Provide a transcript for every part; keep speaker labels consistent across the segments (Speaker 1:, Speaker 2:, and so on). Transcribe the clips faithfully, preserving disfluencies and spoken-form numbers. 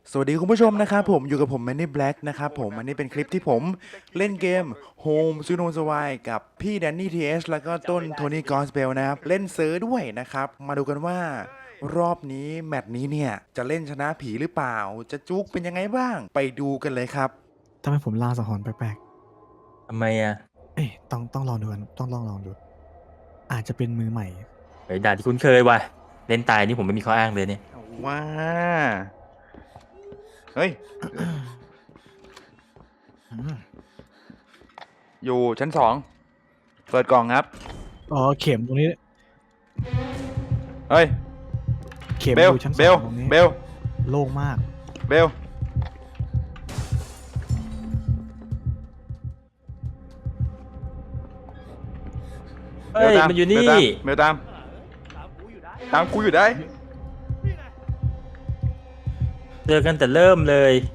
Speaker 1: สวัสดีคุณผู้ชมนะครับผมอยู่กับผมแมนนี่แบล็กนะครับผมอันนี้เป็นคลิปที่ผมเล่นเกม Home s w e e t Home Survive กับพี่แดนนี่ทีเอสแล้วก็ต้นโทนี่กอสเบลนะครับเล่นเซิร์ฟด้วยนะครับมาดูกันว่ารอบนี้แมตช์นี้เนี่ยจะเล่นชนะผีหรือเปล่าจะจุกเป็นยังไงบ้างไปดูกันเลยครับ
Speaker 2: ทำไมผมลางสังหรณ์แปลก
Speaker 3: ทำไมอ่ะ
Speaker 2: ๆเอ๊ะต้องต้องลองดูกันต้องลองลองดู อาจจะเป็นมือใหม่
Speaker 3: เฮ้ยด่านที่คุ้นเคยว่ะเล่นตายนี่ผมไม่มีข้ออ้างเลยเนี่ย
Speaker 1: ว้าเฮ้ย อยู่ชั้นสองเปิดกล่องครับ
Speaker 2: อ๋อเข็มตรงนี้
Speaker 1: เฮ้ย
Speaker 2: เข็ม
Speaker 1: เบ
Speaker 2: อ
Speaker 1: ล
Speaker 2: ยู่ชั้นส
Speaker 1: เบ
Speaker 2: อ
Speaker 1: ล
Speaker 2: งตรงนี้
Speaker 1: เบล
Speaker 2: โล่งมาก
Speaker 1: เบลเบ
Speaker 3: เฮ้
Speaker 1: ล
Speaker 3: ย
Speaker 1: ตาม
Speaker 3: มันอยู่นี่
Speaker 1: เบลตามตามกูอยู่ได้
Speaker 3: เจอกันแต่เริ่มเลย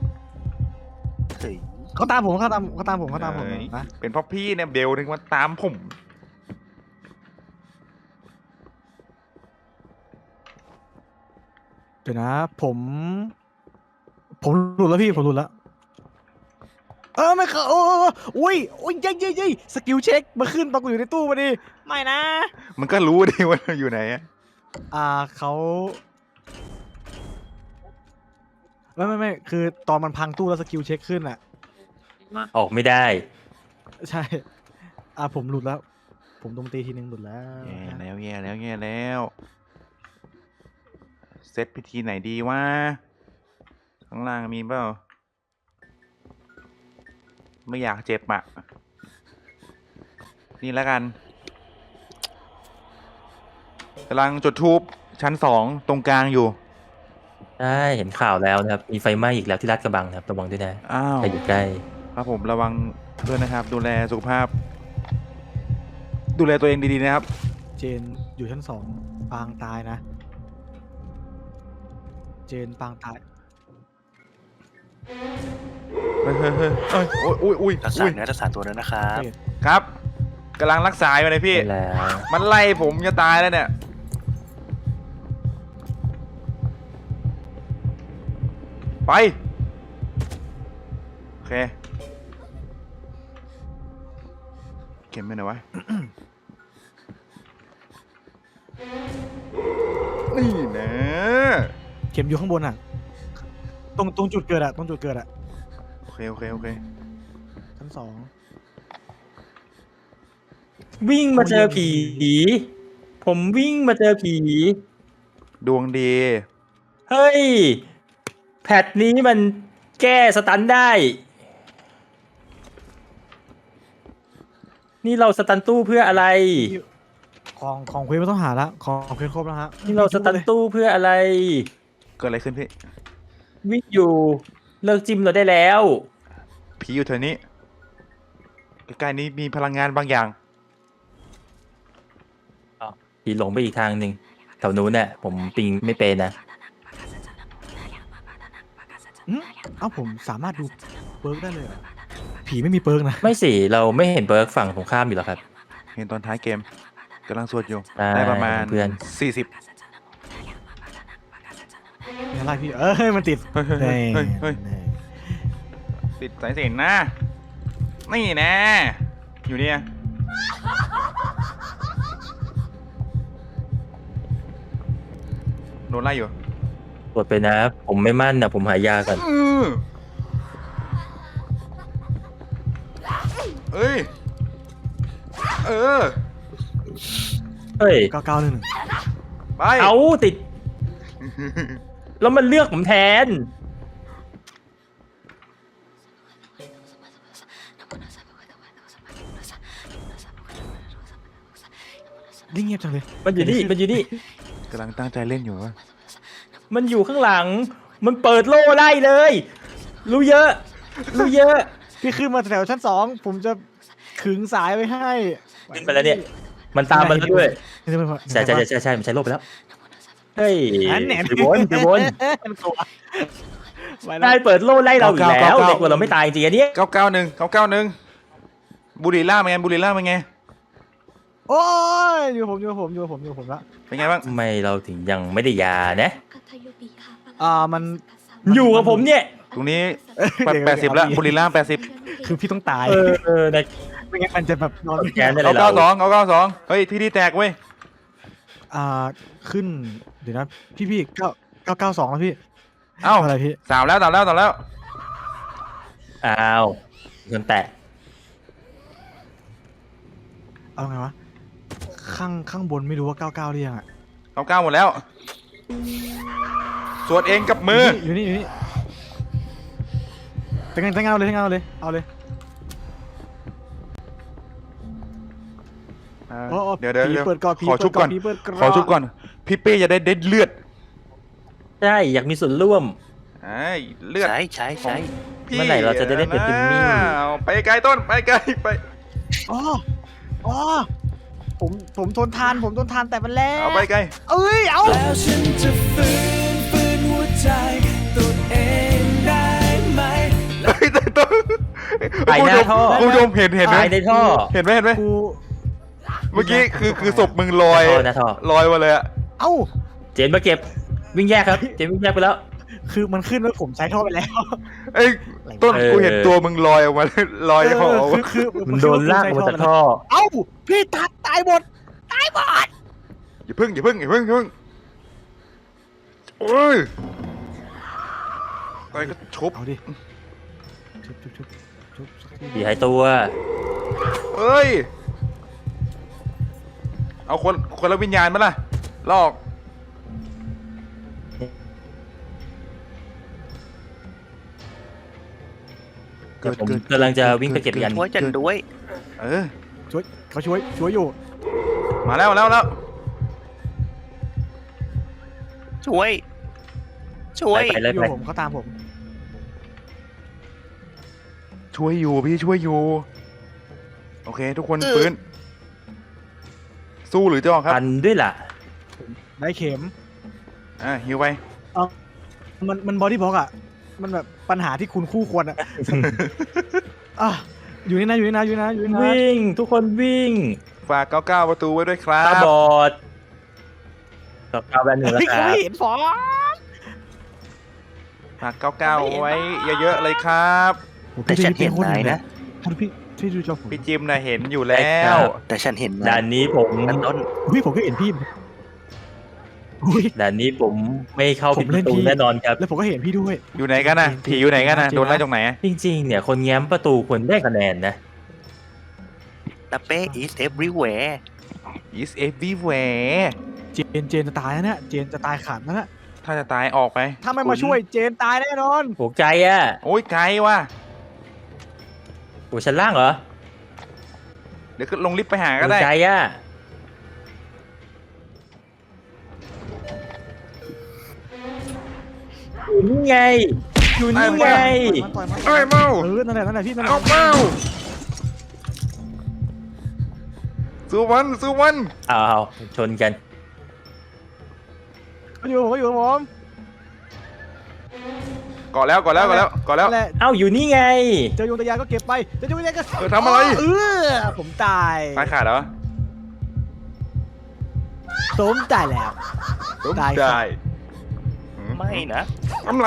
Speaker 2: เขาตามผมเขาตามเขาตามผมเขาตามผม
Speaker 1: เอ้ย
Speaker 2: นะ
Speaker 1: เป็นเพราะพี่เนี่ยเบลถึงมาตามผม
Speaker 2: เดี๋ยวนะ ผม ผมหลุดแล้วพี่ผมหลุดแล้ว เออไม่เข้าโอ้อุ้ยอุ้ยยัยยัยยัยสกิลเช็คมาขึ้นตอนกูอยู่ในตู้พอดีไม่นะ
Speaker 1: มันก็รู้ดิว่าอยู่ไหนอะ
Speaker 2: อ่าเขาไม่ไม่ไม่คือตอนมันพังตู้แล้วสกิลเช็คขึ้นอ่ะ
Speaker 3: ออกไม่ได้
Speaker 2: ใช่ อ่าผมหลุดแล้ว ผมโดนตีทีนึงหลุดแล้ว
Speaker 1: แย่แล้วแย่แล้วแย่แล้วเซตพิธีไหนดีวะข้างล่างมีเปล่าไม่อยากเจ็บอ่ะนี่แล้วกันกำลังจุดทูบชั้นสองตรงกลางอยู่
Speaker 3: ใช่เห็นข่าวแล้วนะครับ มีไฟไหม้อีกแล้วที่ลาดกระบังนะครับระวังด้วยนะ
Speaker 1: อ้าว
Speaker 3: ใครอยู่ใกล้
Speaker 1: ครับผมระวังด้วยนะครับ ดูแลสุขภาพ ดูแลตัวเองดีๆนะครับ
Speaker 2: เจนอยู่ชั้นสองปางตายนะ เจนปางตาย
Speaker 1: เฮ้ยเฮ้ยเฮ้ยเอ้ยโอ้ยอุ้ยอุ้ย
Speaker 4: รักษา
Speaker 1: อุ้ย
Speaker 4: เนื้อรักษาตัวด้วยนะครับ
Speaker 2: โอเค
Speaker 1: ครับกำลังรักษาอยู่เลยพี่
Speaker 3: ได้แล้ว
Speaker 1: มันไล่ผมจะตายแล้วเนี่ย ไป โอเค เข็มไปไหนวะ นี่นะ
Speaker 2: เข็มอยู่ข้างบนอ่ะ ตรงตรงจุดเกิดอ่ะ ตรงจุดเกิดอ่ะ
Speaker 1: โอเค โอเค โอเค
Speaker 2: ชั้นสอง
Speaker 3: วิ่งมาเจอผี ผมวิ่งมาเจอผี
Speaker 1: ดวงดี
Speaker 3: เฮ้ย แพทนี้มันแก้สตันได้ นี่เราสตันตู้เพื่ออะไร
Speaker 2: ของของเควสไม่ต้องหาละของเควสครบแล้วฮะ
Speaker 3: นี่เราสตันตู้เพื่ออะไร
Speaker 1: เกิดอะไรขึ้นพี่
Speaker 3: วิ่งอยู่เลิกจิ้มเราได้แล้ว
Speaker 1: ผีอยู่แถวนี้ ใกล้ๆนี้มีพลังงานบางอย่าง
Speaker 3: ผีหลงไปอีกทางหนึ่งแถวนู้นเนี่ยผมปิงไม่เป็นนะ
Speaker 2: อืมเอ้าผมสามารถดูเปิร์กได้เลยเหรอผีไม่มีเปิร์กนะ
Speaker 3: ไม่สิเราไม่เห็นเบิร์กฝั่งตรงข้ามอยู่หรอครับ
Speaker 1: เห็นตอนท้ายเกมกำลังสวดอยู่
Speaker 3: ได้
Speaker 1: ได้ประมาณ
Speaker 3: เพื่อน
Speaker 1: สี่สิบ
Speaker 2: ไม่อะไรพี่ เอ้ยมันติด
Speaker 1: เฮ้ยเฮ้ยเฮ้ยเฮ้ย
Speaker 2: แน่
Speaker 1: ติดสายสิญจนนะ นี่นะ อยู่เนี่ยโดนไล่อยู่
Speaker 3: กดไปนะ ผมไม่มั่นนะผมหายาก่อน
Speaker 1: อือเอ้ย เออ
Speaker 3: เฮ้ย
Speaker 2: เก้าเก้าหนึ่งหนึ่ง
Speaker 1: ไป
Speaker 3: เอาติด แล้วมันเลือกผมแทน
Speaker 2: นี่เงียบจังเลย
Speaker 3: มันอยู่นี่มันอยู่นี่
Speaker 1: กำลังตั้งใจเล่นอยู่วะ
Speaker 3: มันอยู่ข้างหลัง มันเปิดโล่ไล่เลย รู้เยอะ รู้เยอะ
Speaker 2: พี่ขึ้นมาแถวชั้นสองผมจะขึงสายไว้ให้
Speaker 3: ขึ้นไปแล้วเนี่ย มันตามมันแล้วด้วย
Speaker 2: นี่จะเป็น
Speaker 3: ใช่ใช่ใช่ใช่มันใช้โล่ไปแล้ว เฮ้ย
Speaker 2: อันแหน
Speaker 3: ถือบนถือบน
Speaker 2: มันกลัวไปแล้
Speaker 3: ได้
Speaker 2: ว
Speaker 3: เปิดโล่ไล่เราอีกแล้วเด็กว่าเราไม่ตายจริงอันเนี้ย
Speaker 1: เก้าเก้าหนึ่งเก้าเก้าหนึ่งบุรีล่าเป็นไงบุรีล่าเป็นไง
Speaker 2: โอ้ยอยู่ผมอยู่ผมอยู่ผมอยู่ผมละ
Speaker 1: เป็นไงบ้าง
Speaker 3: ทำไมเราถึงยังไม่ได้ยานะ
Speaker 2: อ่ามัน
Speaker 3: อยู่กับผมเนี่ย
Speaker 1: ตรงนี้
Speaker 2: เดี๋ยว
Speaker 1: แปดสิบแล้ว
Speaker 2: เดี๋ยว
Speaker 1: บุรีรัมย์แปดสิบ
Speaker 2: คือพี่ต้องตาย
Speaker 3: เออเออนะ
Speaker 2: ไม่งั้นมันจะแบบนอนไม่
Speaker 3: แกนได้เล
Speaker 1: เอา
Speaker 3: ย
Speaker 1: เก้าส
Speaker 3: เรา
Speaker 1: องเอาเก้าสองเฮ้ยที่ที่แตกเว้ย
Speaker 2: อ่าขึ้นเดี๋ยวนะพี่พี่เก้าเก้าเก้าสองแล้วพี่
Speaker 1: เอ้า
Speaker 2: อะไรพี่
Speaker 1: สามแล้วสามแล้วสามแล้ว
Speaker 3: อ้าวจนแตก
Speaker 2: เอาไงวะข้างข้างบนไม่รู้ว่าเก้าเก้าหรือยังอ่ะ
Speaker 1: เก้าเก้าหมดแล้วสวดเองกับมือ
Speaker 2: อยู่นี่อยู่นี่แต่งงานแต่งงานเอาเลยแต่งงานเอาเลยเอาเลย
Speaker 1: อ่า
Speaker 2: โอ้โอ้
Speaker 1: เดี๋ยวเดี๋ยว
Speaker 2: ผี
Speaker 1: เดี๋ยว
Speaker 2: เปิดก่อนผี
Speaker 1: ขอชุบก่อน
Speaker 2: เปิดก่อนผีเปิดก่อน
Speaker 1: ขอชุบก่อนพี่เป้จะได้เด็ดเลือด
Speaker 3: ใช่อยากมีส่วนร่วม
Speaker 1: ไอ้เลือด
Speaker 4: ใช่ใช่ใช่
Speaker 1: พี่
Speaker 3: เมื่อไหร่เราจะได้เล่นเป็นจิมมี่
Speaker 1: อ้าวไปไกลต้นไปไกลไป
Speaker 2: อ๋ออ๋อผมผมทนทานผมทนทานแต่มันแล้
Speaker 1: เอา
Speaker 2: ว
Speaker 1: ไปไกล
Speaker 2: เอ้ยเอา
Speaker 5: แล้วฉันจะฟื้นฟื้นหัวใจตัวเองได้ไหม
Speaker 1: เฮ้ยต้น
Speaker 3: ไปหน้าท่อ
Speaker 1: คุณผู้ชมเห็นเห็นไหม
Speaker 3: ตายในท่อ
Speaker 1: เห็นไหมเห็นไหม
Speaker 2: กู
Speaker 1: เมื่อกี้คือคือศพมึงลอย
Speaker 3: หน้าท่อ
Speaker 1: ลอยมาเลยอะ
Speaker 2: เอ้า
Speaker 3: เจนมาเก็บวิ่งแยกครับ เจนวิ่งแยกไปแล้ว
Speaker 2: คือมันขึ้นว่าผมใช้ท่อไปแล้ว
Speaker 1: ไอ้ยต้น
Speaker 3: เออ
Speaker 1: กูเห็นตัวมึงลอยออกมาลอยออก
Speaker 2: เออ
Speaker 1: มา
Speaker 2: คือคือ
Speaker 3: มันโดนลากออกมาจากท่อ
Speaker 2: เอ้าพี่ตัดตายหมดตายหมด
Speaker 1: อย่าพึ่งอย่าพึ่งอย่าพึ่งอย่าพึ่งโอ้ยไปก็ชุบ
Speaker 2: เอาดิชุบชุบชุบชุบสักที
Speaker 3: ผีหายตัว
Speaker 1: เอ้ยเอาคนคนละวิญญาณมาล่ะลอก
Speaker 3: เดี๋ยวผมกำลังจะวิ่งไปเก็บยัน
Speaker 4: ช่วยจันด้วย
Speaker 1: เออ
Speaker 2: ช่วยเขาช่วยช่วยอยู่
Speaker 1: มาแล้วมาแล้วมาแล้ว
Speaker 4: ช่วย ช่วย
Speaker 3: ไปเลย
Speaker 2: อยู่
Speaker 3: ไป
Speaker 2: ผมเขาตามผม
Speaker 1: ช่วยอยู่พี่ช่วยอยู่โอเค ทุกคนฟื้นสู้หรือจะออกครับ
Speaker 3: ปันด้วยล่ะ
Speaker 2: ได้เข็ม
Speaker 1: อ่ะฮิวไป
Speaker 2: มันมันบอดี้บล็อกอ่ะมันแบบปัญหาที่คุณคู่ควรอ่ะ อ่ะอยู่นี่นะอยู่นี่นะอยู่นี่นะอยู่นี่นะ
Speaker 3: วิ่งทุกคนวิ่ง
Speaker 1: ฝากเก้าเก้าประตูไว้ด้วยครั
Speaker 3: ตา
Speaker 1: บ
Speaker 3: บอดกับกาวแบนหนึ่งแล้ว
Speaker 2: เฮ้ย
Speaker 3: ค
Speaker 2: เขา
Speaker 3: รับ
Speaker 2: ไม่เห็นฟอ
Speaker 1: ฝากเก้าเก้าไว้เยอะๆเลยครับ
Speaker 4: แต่ฉันเห็นนายนะ
Speaker 2: ท่านพี่พี่ดูจอผม
Speaker 1: พี่จิมน่ะเห็นอยู่แล้ว
Speaker 4: แต่ฉันเห็น
Speaker 3: ด่าน
Speaker 4: าย
Speaker 3: นี้ผม
Speaker 4: นั่นต้น
Speaker 2: พี่ผมก็เห็นพี่อุ้ย
Speaker 3: ด่านนี้ผมไม่เข้า
Speaker 2: ผ
Speaker 3: ปิด
Speaker 2: ม
Speaker 3: ป
Speaker 2: เล่น
Speaker 3: ระตู
Speaker 2: พี่
Speaker 3: แน่นอนครับ
Speaker 2: แล้วผมก็เห็นพี่ด้วย
Speaker 1: อยู่ไหนกันน่ะผีอยู่ไหนกันน่ะโดนไล่ตรงไหน
Speaker 3: จริงๆ เนี่ยคนแง้มประตูควรได้คะแนนนะ
Speaker 4: ตาเป้ is everywhere
Speaker 1: is everywhere
Speaker 2: เจนเจนจะตายแล้วเนี่ยเจนจะตายขาดแล้วนะ
Speaker 1: ถ้าจะตายออกไป
Speaker 2: ถ้าไม่มาช่วยเจนตายแน่นอน
Speaker 3: หัวใจอ่ะ
Speaker 1: โอ้ยไกลว่ะ
Speaker 3: หัวชั้นล่างเหรอ
Speaker 1: เดี๋ยวก็ลงลิฟต์ไปหาก็
Speaker 3: หัว
Speaker 1: ได้
Speaker 3: ใจอ่ะอยู่นี่ไง อยู่นี่ไง
Speaker 2: ต่อยมัน
Speaker 1: เอ้ยเมา
Speaker 2: เออนั่นแหละนั่นแหละพี่นั่นแหละ
Speaker 1: เอาเมาสู้มันสู้มัน
Speaker 3: อ้าวชนกัน
Speaker 2: เขาอยู่ผมเขาอยู่กับผม
Speaker 1: ก่อแล้วก่อแล้วก่อแล้วก่อแล้ว
Speaker 2: นั่นแหละ
Speaker 3: เอ้าอยู่นี่ไง
Speaker 2: เจอยุงตะยานก็เก็บไปเจอยุงตะยานก็
Speaker 1: เออทำอะไร
Speaker 2: เออผมตาย
Speaker 1: ตายขาดเหรอ
Speaker 2: ผมตายแล้ว
Speaker 1: ตุ้ม
Speaker 2: ตายครับ
Speaker 1: ได้หืม
Speaker 4: ไม่นะ
Speaker 1: ทำไร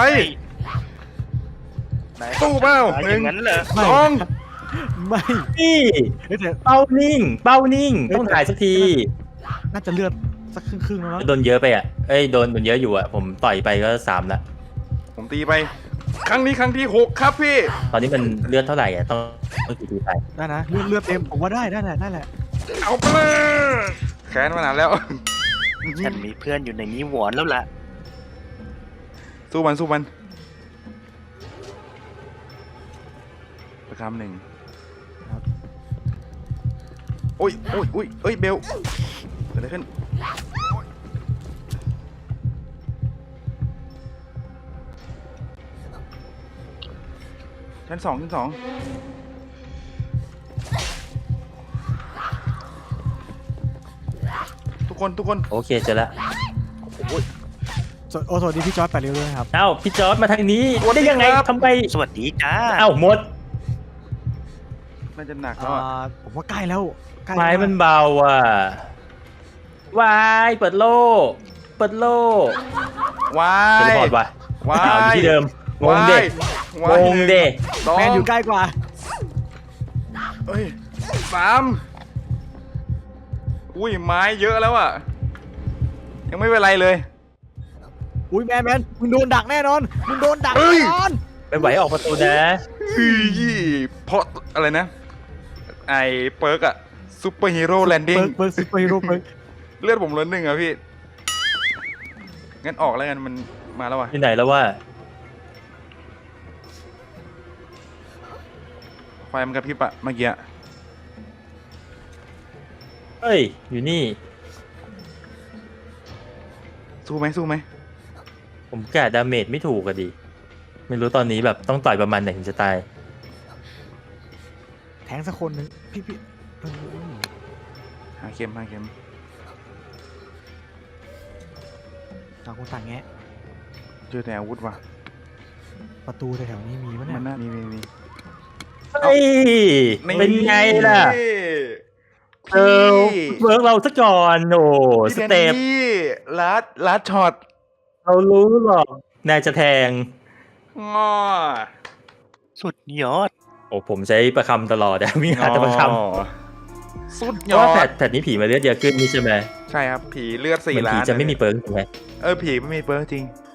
Speaker 4: นาย
Speaker 1: สู้เปล่า
Speaker 4: ตาย
Speaker 1: ห
Speaker 4: อ
Speaker 1: นึ่ง
Speaker 4: ย่างนั้นเหรอ
Speaker 2: ไม่
Speaker 1: สอง
Speaker 2: ไม่
Speaker 3: นี่
Speaker 2: เฮ้ยแต่
Speaker 3: เป้านิ่ง เป้านิ่ง ต้องถ่ายสักที
Speaker 2: น่าจะเลือดสักครึ่งครึ่งๆแล้วมั้ง
Speaker 3: โดนเยอะไปอ่ะ เอ้ย โดนโดนเยอะอยู่อ่ะ ผมต่อยไปก็สามละ
Speaker 1: ผมตีไป ครั้งนี้ครั้งที่หกครับพี่
Speaker 3: ตอนนี้มันเลือดเท่าไหร่อ่ะ ต้องต้องกี่ทีไป
Speaker 2: ได้นะเลือดเลือดเต็มผมว่าได้ได้แหละได้แหละ
Speaker 1: เอาไปเลยแค้นมานานแล้ว
Speaker 4: ฉันมีเพื่อนอยู่ในนี้หวอนแล้วล่ะ
Speaker 1: สู้มันสู้มันประคำหนึ่งโอ้ยโอ้ยโอ้ยเอ้ยเบลเกิดอะไรขึ้นชั้นสองชั้นสองทุกคนทุกคน
Speaker 3: โอเคเจอแล้ว
Speaker 2: สวโอ้สวัสดีพี่จอร์จแปดริ้วด้วยนะครับ
Speaker 3: เอ้า พี่จอร์ดมาทางนี้ ได้ยังไงทำไม
Speaker 4: สวัสดีจ้า
Speaker 3: เอ้าหมด
Speaker 1: น่าจะหนักแล้ว
Speaker 2: อ่า
Speaker 1: อะ
Speaker 2: ผมว่าใกล้แล้วใกล้
Speaker 3: ไม้
Speaker 2: แล้ว
Speaker 3: มันเบาอ่ะ วาย เปิดโล่ เปิดโล่
Speaker 1: วา
Speaker 3: เทเล
Speaker 1: ย
Speaker 3: พอร์ตว่ะ
Speaker 1: วา
Speaker 3: อ้าวย อยู่ที่เดิมงงเด็
Speaker 1: วาย
Speaker 3: งงเด็
Speaker 1: สอง
Speaker 2: แมนอยู่ใกล้กว่า
Speaker 1: เอ้ยสามอุ้ยไม้เยอะแล้วอ่ะยังไม่เป็นไรเลย
Speaker 2: อุ้ยแมนแมนมึงโดนดักแน่นอนมึงโดนดัก
Speaker 1: เฮ้
Speaker 2: แน่
Speaker 1: ย
Speaker 2: นอน
Speaker 3: ไม่ไหวออกประตูนะ
Speaker 1: อีเพราะอะไรนะ ไอเปิร์กอะซูเปอร์ฮีโร่แลนดิ้ง
Speaker 2: เปิร์กเปิร์กซุปเปอร์ฮีโร่เปิร์ก
Speaker 1: เลือดผมล้นหนึ่งอะพี่ งั้นออกแล้วกันมันมาแล้วว่ะ
Speaker 3: ที่ไหนแล้วว่า
Speaker 1: ไฟมันกระพริบอะเมื่อกี้อะ
Speaker 3: เฮ้ย อยู่นี่
Speaker 1: สู้ไหมสู้ไหม
Speaker 3: ผมกะดาเมจไม่ถูกอะดิ ไม่รู้ตอนนี้แบบต้องต่อยประมาณไหนถึงจะตาย
Speaker 2: แทงสักคนหนึ่งพี่พี่เออ
Speaker 1: หาเข็มหาเข็ม
Speaker 2: ต่างคนต่างแงะ
Speaker 1: เจอแต่อาวุธว่ะ
Speaker 2: ประตูแถวๆนี้มีมั้ย
Speaker 1: มัน
Speaker 2: เนี่ย
Speaker 1: น่ามีมีมี
Speaker 3: เฮ้ย เป็นไงล่ะ เออเวิร์กเราซะก่อนโอ้
Speaker 1: พี่
Speaker 3: ส
Speaker 1: แดน
Speaker 3: เต็ป
Speaker 1: นี่ลัดลัดช็อต
Speaker 3: เรารู้หรอกนายจะแทง
Speaker 1: งอ
Speaker 4: สุดยอด
Speaker 3: โอ้ผมใช้ประคำตลอดอะ มีหาแต่ประค
Speaker 1: งอสุด
Speaker 3: ำเพ
Speaker 1: ย
Speaker 3: ราะ
Speaker 1: อ
Speaker 3: ว่าแผ
Speaker 1: ด
Speaker 3: ดแผดนี้ผีมาเลือดเยอะขึ้นนี่ใช่ไหม
Speaker 1: ใช่ครับ ผีเลือด
Speaker 3: เห
Speaker 1: สี่
Speaker 3: มือน
Speaker 1: ล้า
Speaker 3: ผี
Speaker 1: น
Speaker 3: จะไม่มีเปิร์กถูกไหม
Speaker 1: เออผีไม่มีเปิร์กจริง